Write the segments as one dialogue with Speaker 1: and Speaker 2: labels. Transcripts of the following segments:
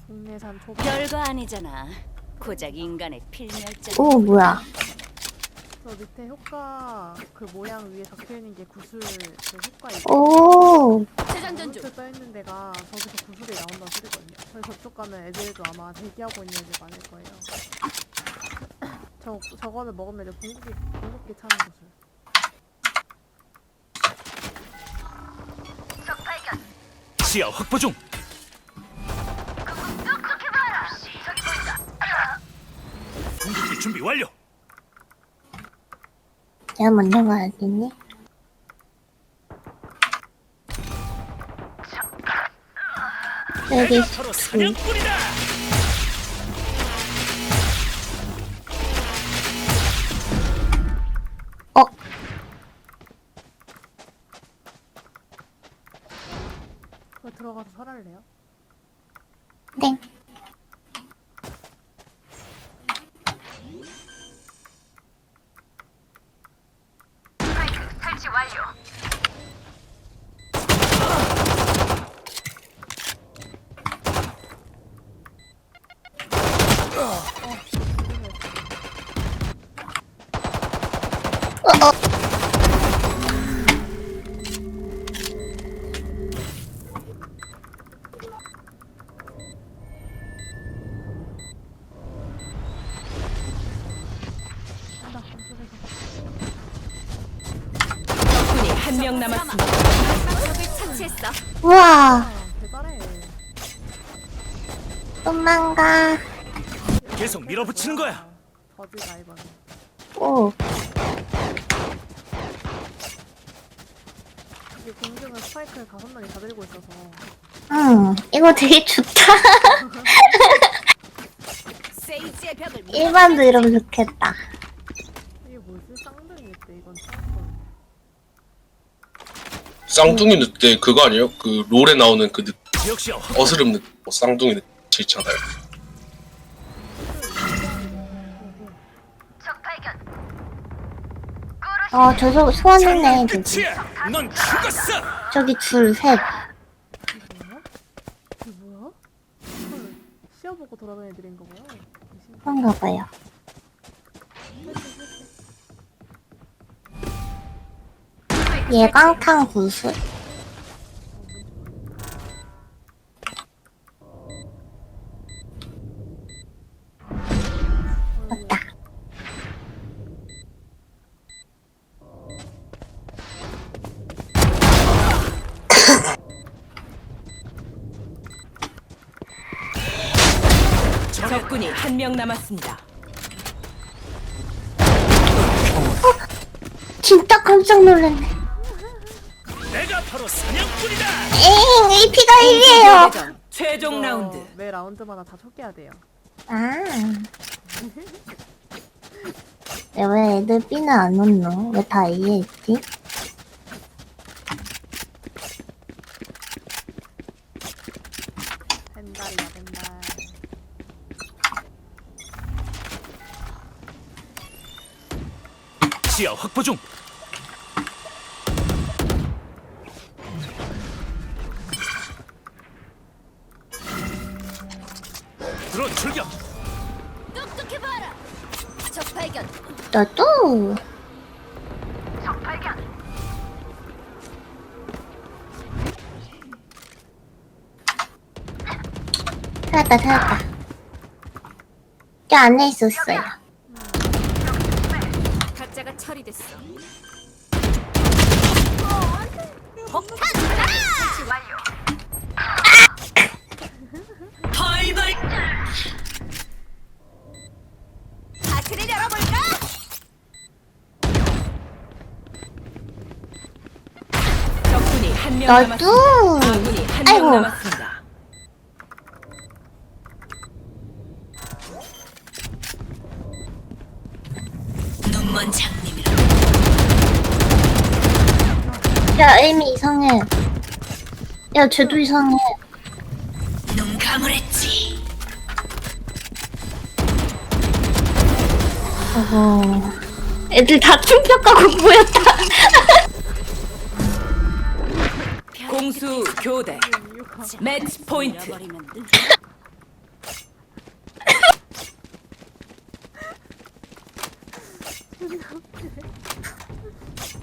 Speaker 1: 국내산 초밥.
Speaker 2: 별거 아니잖아. 고작 인간의 필멸자.
Speaker 3: 오, 뭐야.
Speaker 1: 저 밑에 효과 그 모양 위에 적혀있는 게 구슬 그 효과 있고
Speaker 3: 오,
Speaker 2: 재장전 중.
Speaker 1: 구슬 떠있는 데가 저기서 구슬이 나온다는 소리거든요. 그래서 저쪽 가면 애들도 아마 대기하고 있는 애들 많을 거예요. 저거를 먹으면 이제 궁극기 차는 구슬.
Speaker 4: 시야 확보 중. 공격기 준비 완료.
Speaker 3: 내가 먼저 가야겠니? 여기
Speaker 4: 내가 바로 사냥꾼이다.
Speaker 3: 어,
Speaker 1: 그거 들어가서 설할래요?
Speaker 3: 땡. 어, 어.
Speaker 1: 한다 안쪽에서.
Speaker 2: 적군이 한 명 남았습니다. 적을 처치했어.
Speaker 3: 우와,
Speaker 1: 아 대단해.
Speaker 3: 도망가.
Speaker 4: 계속 밀어붙이는 거야.
Speaker 1: 버즈 라이벌.
Speaker 3: 오,
Speaker 1: 이게 공중은 스파이크를 5명이 다 들고 있어서
Speaker 3: 이거 되게 좋다.
Speaker 2: 세이지의 벽을
Speaker 3: 일반도 이러면 좋겠다.
Speaker 1: 이게 뭐지? 쌍둥이겠대 이건 쌍둥이.
Speaker 5: 쌍둥이 늑대 그거 아니에요? 그 롤에 나오는 그
Speaker 4: 지역 시야 확보.
Speaker 5: 어스름 늑대 뭐 쌍둥이 늑대 있잖아요.
Speaker 3: 저 소환했네. 저기.
Speaker 4: 끝이야. 넌 죽었어.
Speaker 3: 저기 줄 셋.
Speaker 1: 이게 뭐야? 헐, 시야 보고 돌아다니는 애들인가 봐요.
Speaker 3: 그런가 봐요. 예광탄 구슬. 맞다.
Speaker 2: 적군이 한 명 남았습니다.
Speaker 3: 진짜 깜짝 놀랐네.
Speaker 4: 내가 바로 사냥꾼이다.
Speaker 3: 에잉, AP가 1이에요.
Speaker 2: 대전 최종 라운드.
Speaker 1: 매 라운드마다 다 촉해야 돼요.
Speaker 3: 아. 왜 애들 B는 안 넣노? 왜 다 A에 있지?
Speaker 1: 벤달이야 벤달.
Speaker 4: 시야 확보 중. 드론 출격.
Speaker 2: 똑똑해 봐라. 적 발견.
Speaker 3: 너도. 찾았다. 저 안에 있었어요.
Speaker 2: 가짜가 처리됐어. 폭탄 가라! 완료. 덜벌. 파티를 열어볼까? 적군이 한 명 남았습니다.
Speaker 3: 너도.
Speaker 2: 아군이 한 명
Speaker 3: 아이고.
Speaker 2: 남았습니다. 눈먼 장님이라.
Speaker 3: 야, 에이미 이상해. 야, 쟤도 이상해.
Speaker 2: 눈 감으랬지.
Speaker 3: 어허. 애들 다 충격하고 모였다.
Speaker 2: 공수 교대. 매치 포인트.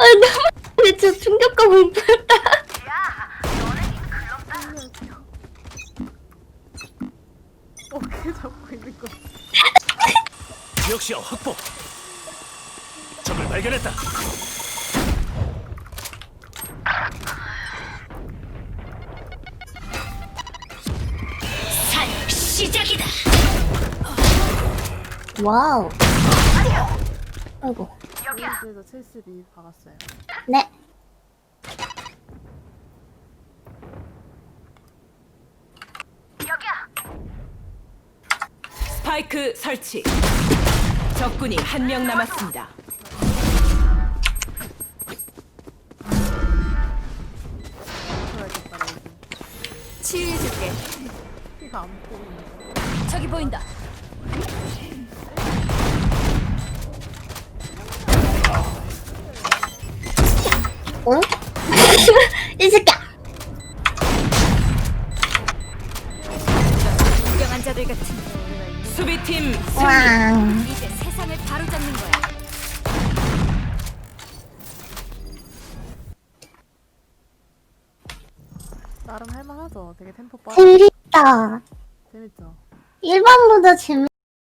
Speaker 3: 너무 진짜 충격과 공포였다.
Speaker 1: 어깨 잡고 있는 거.
Speaker 4: 역시야 확보. 적을 발견했다.
Speaker 2: 사냥 시작이다.
Speaker 3: 와우. 아이고.
Speaker 1: 그래서 72 박았어요.
Speaker 3: 네.
Speaker 2: 스파이크 설치. 적군이 한 명 남았습니다.
Speaker 1: 들어야겠다, 여기.
Speaker 2: 치유해줄게.
Speaker 1: 피가 안 보이네.
Speaker 2: 저기 보인다.
Speaker 3: 응? 이 새끼야.
Speaker 2: 유명한 자들 같은 수비팀 승리.
Speaker 3: 왕.
Speaker 2: 이제 세상을 바로잡는 거야.
Speaker 1: 나름 할만하죠. 되게 템포 빠르고
Speaker 3: 재밌다.
Speaker 1: 재밌죠.
Speaker 3: 1번보다 재밌.